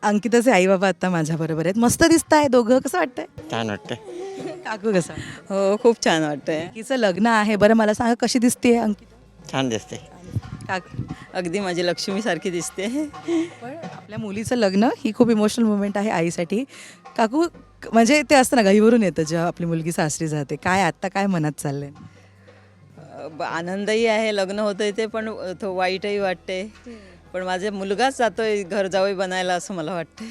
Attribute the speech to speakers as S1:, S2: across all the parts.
S1: अंकिताचे आई बाबा आता माझ्या बरोबर आहेत. मस्त दिसताय दोघं. कसं वाटतंय?
S2: छान वाटतं.
S1: काकू कसं?
S3: हो खूप छान वाटतंय.
S1: तिचं लग्न आहे. बरं मला सांगा कशी दिसते अंकिता?
S2: छान दिसते.
S1: काकू
S3: अगदी माझी लक्ष्मीसारखी दिसते.
S1: पण आपल्या मुलीचं लग्न ही खूप इमोशनल मुवमेंट आहे आईसाठी. काकू म्हणजे ते असतं ना घाईवरून येतं जेव्हा आपली मुलगी सासरी जाते. काय आत्ता काय मनात चाललंय?
S3: आनंदही आहे लग्न होतंय ते, पण तो वाईटही वाटते. पण माझा मुलगाच जातोय घर जावई बनायला असं मला वाटतंय.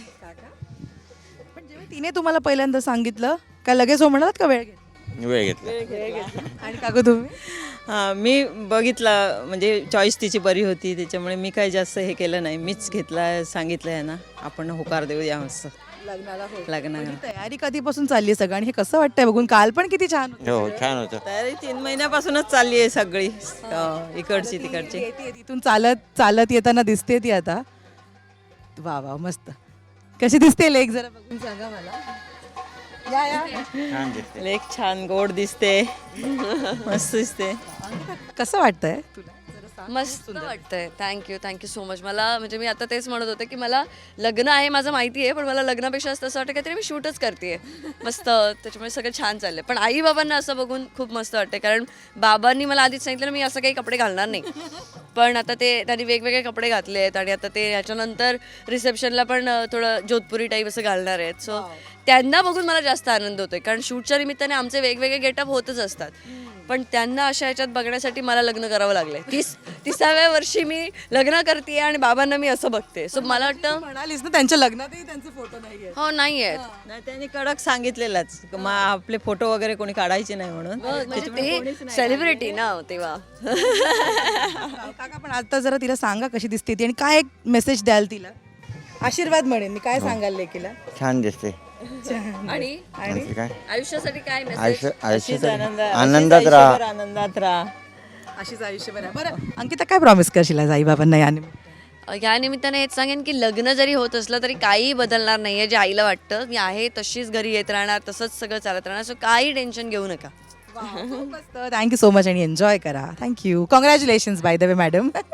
S1: पण जेव्हा तिने तुम्हाला पहिल्यांदा सांगितलं काय लगेच हो म्हणालात का वेळ घेतला?
S2: वेळ घेतला.
S1: आणि काकू तुम्ही?
S3: हां मी बघितला म्हणजे चॉईस तिची बरी होती त्याच्यामुळे मी काही जास्त हे केलं नाही. मीच घेतला सांगितलं आहे ना आपण होकार देऊया असं लग्नाला.
S1: तयारी कधीपासून चालली आहे सगळं आणि हे कसं वाटतंय बघून? काल पण किती छान होतं.
S2: हो छान होतं.
S3: तयारी 3 महिन्यापासूनच चालली आहे सगळी. इकडची तिकडची.
S1: येते तिथून चालत चालत येताना दिसते ती आता. वा वा मस्त. कशी दिसते लेक जरा बघून सांगा मला. या या
S2: छान दिसते.
S3: लेक छान गोड दिसते. मस्त दिसते.
S1: कसं वाटतंय तुला?
S4: मस्त वाटतंय. Thank you so much. मला म्हणजे मी आता तेच म्हणत होते की मला लग्न आहे माझं माहिती आहे, पण मला लग्नापेक्षा असं वाटतं काहीतरी मी शूटच करते मस्त. त्याच्यामुळे सगळं छान चाललंय. पण आई बाबांना असं बघून खूप मस्त वाटतं, कारण बाबांनी मला आधीच सांगितलं मी असं काही कपडे घालणार नाही. पण आता ते त्यांनी वेगवेगळे कपडे घातले आहेत आणि आता ते ह्याच्यानंतर रिसेप्शनला पण थोडं जोधपुरी टाईप असं घालणार आहेत. सो त्यांना बघून मला जास्त आनंद होतोय, कारण शूटच्या निमित्ताने आमचे वेगवेगळे गेटअप होतच असतात. पण त्यांना अशा ह्याच्यात बघण्यासाठी मला लग्न करावं लागलंय. 30व्या वर्षी मी लग्न करते आणि बाबांना मी असं बघते. सो मला वाटतं
S1: म्हणालीस ना त्यांच्या लग्नातही त्यांचे फोटो नाहीये.
S4: हो नाही आहेत.
S3: नाही त्यांनी कडक सांगितलेलंच आपले फोटो वगैरे कोणी काढायचे नाही म्हणून.
S4: म्हणजे ते सेलिब्रिटी ना तेव्हा.
S1: काका पण आता जरा तिला सांगा कशी दिसते ती आणि काय एक मेसेज द्याल तिला? आशीर्वाद म्हणेन मी. काय सांगाल लेकीला?
S2: छान दिसते.
S4: आणि
S2: आणखी काय?
S4: आयुष्यासाठी काय मेसेज?
S2: आयुष्य
S3: अशीच
S2: आनंदात राहा.
S3: आनंदात राहा.
S1: अशीच आयुष्यभर आहे. बरं अंकिता काय प्रॉमिस करशील आज आई बाबांना या निमित्ताने?
S4: या निमित्ताने हेच सांगेन की लग्न जरी होत असलं तरी काही बदलणार नाहीये. जे आईला वाटतं मी आहे तशीच घरी येत राहणार, तसंच सगळं चालत राहणार. सो काही टेन्शन घेऊ नका.
S1: थँक्यू सो मच आणि एन्जॉय करा. Thank you. Congratulations by the way madam.